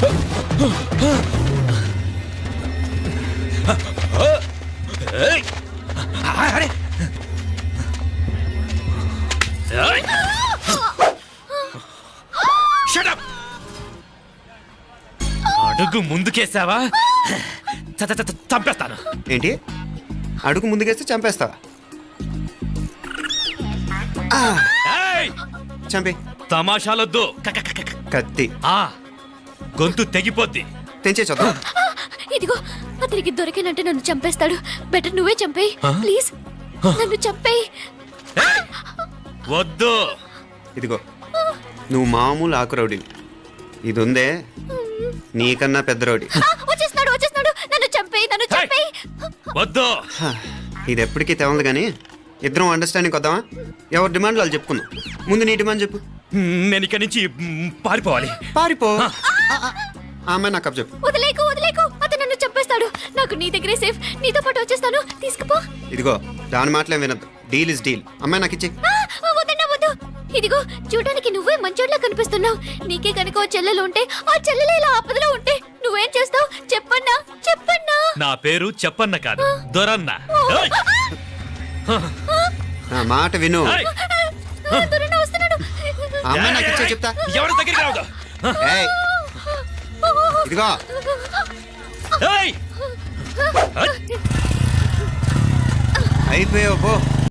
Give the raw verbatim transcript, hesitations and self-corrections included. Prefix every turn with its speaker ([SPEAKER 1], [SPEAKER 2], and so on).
[SPEAKER 1] అడుగు ముందుకేసావా చంపేస్తాను.
[SPEAKER 2] ఏంటి అడుగు ముందుకేస్తే చంపేస్తావా? చంపి.
[SPEAKER 1] తమాషాలొద్దు.
[SPEAKER 2] కత్తి
[SPEAKER 1] ఆ గొంతు తెగిపోద్ది.
[SPEAKER 2] తెంచే చూద్దాం.
[SPEAKER 3] ఇదిగో అతనికి దొరికినంటే నన్ను చంపేస్తాడు. బెటర్ నువ్వే చంపేయి ప్లీజ్. నన్ను చంపేయి.
[SPEAKER 1] వద్దు.
[SPEAKER 2] ఇదిగో నువ్వు మామూలు ఆకు రౌడీవి. ఇది ఉందే నీకన్నా పెద్ద రౌడీ.
[SPEAKER 3] వచ్చేస్తున్నాడు వచ్చేస్తున్నాడు. నన్ను చంపేయి నన్ను చంపేయి.
[SPEAKER 1] వద్దు.
[SPEAKER 2] ఇది ఎప్పటికీ తెవలదు కానీ ఇద్దరం అండర్స్టాండింగ్ వద్దామా? ఎవరి డిమాండ్లు వాళ్ళు చెప్పుకుందాం. ముందు నీ డిమాండ్ చెప్పు.
[SPEAKER 1] నేను ఇక్కడి నుంచి పారిపోవాలి.
[SPEAKER 2] పారిపో. ఆమె నాకు అప్ చెప్పు.
[SPEAKER 3] వదిలేకు వదిలేకు. అతను నన్ను చంపేస్తాడు. నాకు నీ దగ్గరే సేఫ్. నీతో పాటు వచ్చేస్తాను. తీసుకుపో.
[SPEAKER 2] ఇదిగో దాని మాటలే వినద్దు. Deal is deal. అమ్మాయి నాకు ఇచ్చే.
[SPEAKER 3] వద్దన్నా వద్దు. ఇదిగో చూడడానికి నువ్వే మంచోడ్లా కనిపిస్తున్నావు. నీకే కనుక ఓ చెల్లెలు ఉంటే ఆ చెల్లెలు ఇలా ఆపదలో ఉంటే నువ్వేం చేస్తావు చెప్పన్నా చెప్పన్నా.
[SPEAKER 1] నా పేరు చెప్పన్న కాదు దొరన్న.
[SPEAKER 2] నా మాట విను.
[SPEAKER 3] దొరన్న వస్తున్నాడు.
[SPEAKER 2] అమ్మాయి నాకు ఇచ్చే చెప్తా.
[SPEAKER 1] ఎవరి దగ్గరికి రావద్దు.
[SPEAKER 2] ఏయ్ ఇదిగో
[SPEAKER 1] ఏయ్
[SPEAKER 2] అయిపోయావు పో.